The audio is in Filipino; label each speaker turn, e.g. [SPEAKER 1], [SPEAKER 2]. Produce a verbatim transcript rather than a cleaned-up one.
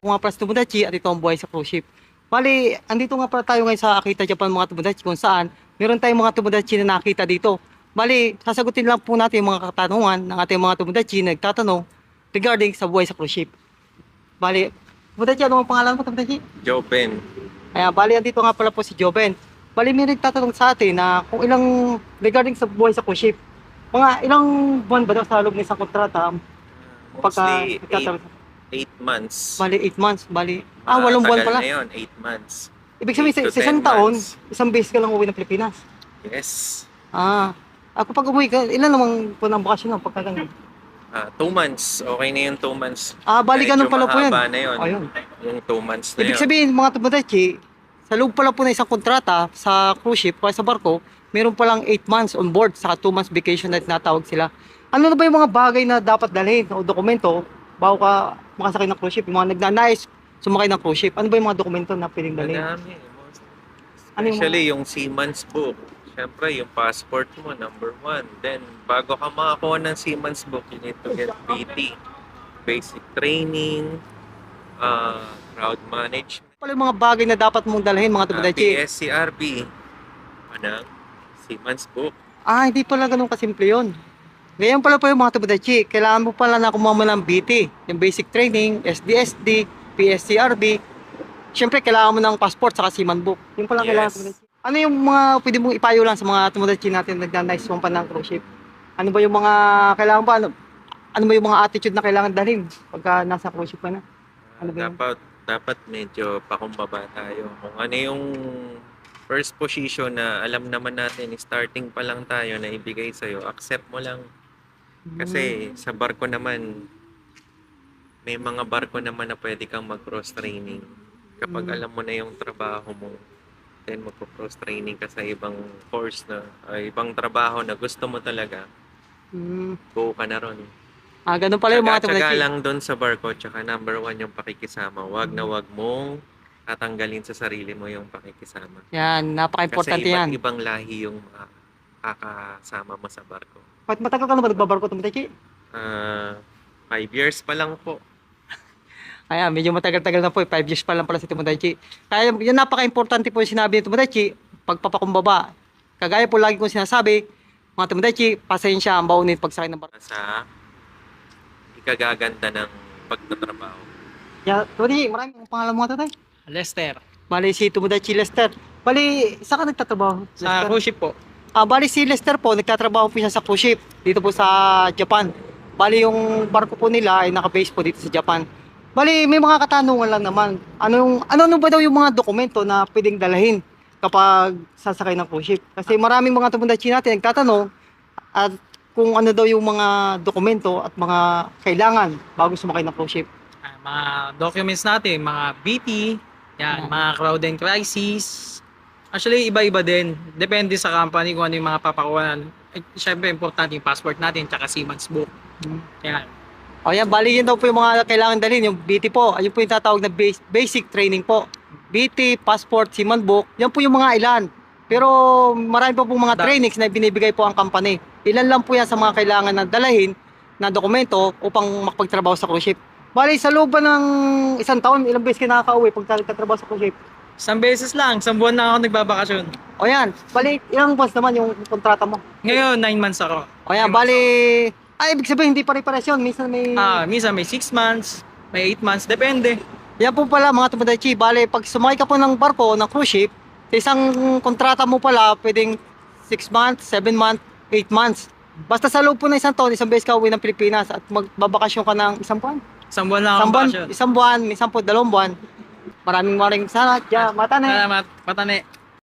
[SPEAKER 1] Ako nga pala si Tomodachi at ito ang buhay sa cruise ship. Bali, andito nga pala tayo ngayon sa Akita Japan mga Tomodachi kung saan meron tayong mga Tomodachi na nakita dito. Bali, sasagutin lang po natin yung mga katanungan ng ating mga Tomodachi na nagtatanong regarding sa buhay sa cruise ship. Bali, Tomodachi, ano ang pangalan mo, Tomodachi?
[SPEAKER 2] Joven.
[SPEAKER 1] Ayan, bali, andito nga pala po si Joven. Bali, may nagtatanong sa atin na kung ilang regarding sa buhay sa cruise ship. Mga ilang buwan ba daw sa loob ng isang kontrata?
[SPEAKER 2] Mostly
[SPEAKER 1] nagtatanong-
[SPEAKER 2] eight months.
[SPEAKER 1] Bali, eight months. Bali, ah,
[SPEAKER 2] Ah,
[SPEAKER 1] walong buwan
[SPEAKER 2] tagal
[SPEAKER 1] pala.
[SPEAKER 2] na yun, eight months.
[SPEAKER 1] Ibig sabihin,
[SPEAKER 2] eight
[SPEAKER 1] sa,
[SPEAKER 2] to
[SPEAKER 1] sa isang
[SPEAKER 2] ten
[SPEAKER 1] taon,
[SPEAKER 2] months.
[SPEAKER 1] isang beses ka lang uwi ng Pilipinas.
[SPEAKER 2] Yes.
[SPEAKER 1] Ah, ako pag umuwi ka, ilan namang po ng bakasyon ng pagka ganun?
[SPEAKER 2] Ah, two months. Okay na yung two months.
[SPEAKER 1] Ah, bali ganun
[SPEAKER 2] Medyo
[SPEAKER 1] pala po yan.
[SPEAKER 2] mahaba na yun.
[SPEAKER 1] Ayun.
[SPEAKER 2] Yung two months na
[SPEAKER 1] Ibig
[SPEAKER 2] yun.
[SPEAKER 1] sabihin, mga Tomodachi, sa loob pala po na isang kontrata sa cruise ship o sa barko, meron palang eight months on board, saka two months vacation na tinatawag sila. Ano na ba yung mga bagay na dapat dalhin o dokumento bago ka makasakay ng cruise ship? Yung mga nagnanais sumakay ng cruise ship, ano ba yung mga dokumento na pwedeng dalhin?
[SPEAKER 2] Madami.
[SPEAKER 1] Ano yung
[SPEAKER 2] Especially yung seaman's book. Siyempre, yung passport mo, number one. Then, bago ka makakuha ng seaman's book, you need to get B T. Basic training, uh, crowd management,
[SPEAKER 1] Ano pala yung mga bagay na dapat mong dalhin mga
[SPEAKER 2] uh,
[SPEAKER 1] Tomodachi?
[SPEAKER 2] P S C R B, ano, seaman's book.
[SPEAKER 1] Ah, hindi pala ganun kasimple yun. Ngayon pala po yung mga Tomodachi, kailangan mo pala na kumuha mo ng B T, yung basic training, S D S D, P S C R B. Siyempre, kailangan mo ng passport saka seaman book. Yung pala
[SPEAKER 2] Yes.
[SPEAKER 1] kailangan Tomodachi. Ano yung mga pwede mong ipayo lang sa mga Tomodachi natin na nagnanais sumampan ng cruise ship? Ano ba yung mga kailangan ba? Ano, ano ba yung mga attitude na kailangan dalhin pagka nasa cruise ship ka na? Ano ba yun?
[SPEAKER 2] Dapat, dapat medyo pakumbaba tayo. Kung ano yung first position na alam naman natin, starting pa lang tayo na ibigay sa'yo, accept mo lang. Kasi sa barko naman, may mga barko naman na pwede kang mag-cross training. Kapag
[SPEAKER 1] Mm.
[SPEAKER 2] alam mo na yung trabaho mo, then magpo-cross training ka sa ibang course na, ay, ibang trabaho na gusto mo talaga,
[SPEAKER 1] Hmm.
[SPEAKER 2] go ka na ron.
[SPEAKER 1] Ah, ganun pala yung mga
[SPEAKER 2] Tsaga-tsaga
[SPEAKER 1] Tomodachi.
[SPEAKER 2] lang doon sa barko, tsaka number one yung pakikisama. Wag na wag mong tatanggalin sa sarili mo yung pakikisama.
[SPEAKER 1] Yan,
[SPEAKER 2] Kasi
[SPEAKER 1] napaka-importante yan.
[SPEAKER 2] iba't ibang lahi yung makakasama mo sa barko.
[SPEAKER 1] Pat matagal ka na ba nagbabarko Tomodachi?
[SPEAKER 2] Ah, five years pa lang po.
[SPEAKER 1] Ayan, medyo matagal-tagal na po, five years pa lang pala si Tomodachi. Kaya yun napaka-importante po yung sinabi ni Tomodachi, pagpapakumbaba. Kagaya po lagi kong sinasabi, mga Tomodachi, pasensya ang baunin pagsakay ng barko.
[SPEAKER 2] Sa ikagaganda ng pagtatrabaho.
[SPEAKER 1] Yeah, Tony, maraming pangalan mo nga tatay.
[SPEAKER 3] Lester.
[SPEAKER 1] Bali si Tomodachi Lester. Bali, saan ka nagtatrabaho?
[SPEAKER 3] Sa
[SPEAKER 1] Lester?
[SPEAKER 3] cruise ship po.
[SPEAKER 1] Ah, bali si Lester po, nagtatrabaho po siya sa cruise ship dito po sa Japan. Bali yung barko po nila ay naka-base po dito sa Japan. Bali, may mga katanungan lang naman. Anong ano ano ba daw yung mga dokumento na pwedeng dalahin kapag sasakay ng cruise ship? Kasi maraming mga Tomodachi natin nagtatanong at kung ano daw yung mga dokumento at mga kailangan bago sumakay ng cruise ship.
[SPEAKER 3] Ah, mga documents natin, mga B T, yan,
[SPEAKER 1] Yeah.
[SPEAKER 3] mga crowd and crisis. Actually, iba-iba din. Depende sa company kung ano yung mga papakuan. Eh, Siyempre, importante yung passport natin, tsaka seaman's book.
[SPEAKER 1] Hmm.
[SPEAKER 3] Yan.
[SPEAKER 1] O yan, bali yun daw po yung mga kailangan dalhin, yung B T po. Ayun po yung tatawag na base, basic training po. B T, passport, seaman book, yan po yung mga ilan. Pero marami pa pong mga
[SPEAKER 3] Da-
[SPEAKER 1] trainings na binibigay po ang company. Ilan lang po yan sa mga kailangan na dalahin na dokumento upang makapagtrabaho sa cruise ship. Bali, sa loob ba ng isang taon, ilang beses ka nakaka-uwi pag nagtatrabaho sa cruise ship?
[SPEAKER 3] Isang beses lang, isang buwan na ako nagbabakasyon.
[SPEAKER 1] O yan, bali, ilang months naman yung kontrata mo?
[SPEAKER 3] Ngayon, nine months ako.
[SPEAKER 1] O yan, bali, ay, ibig sabihin, hindi pare-pares yun. Minsan may...
[SPEAKER 3] Ah, minsan may six months, may eight months, depende.
[SPEAKER 1] Yan po pala mga Tomodachi, bale pag sumakay ka po ng barko, ng cruise ship, sa isang kontrata mo pala, pwedeng six months, seven months, eight months. Basta sa loob po ng isang taon, isang beses ka uwi ng Pilipinas at magbabakasyon ka ng isang buwan.
[SPEAKER 3] Isang buwan lang
[SPEAKER 1] Isang
[SPEAKER 3] akong
[SPEAKER 1] buwan,
[SPEAKER 3] bakasyon.
[SPEAKER 1] isang buwan, minsan po dalawang buwan. Maraming maraming salamat, ja, mata na.
[SPEAKER 3] Salamat, patane.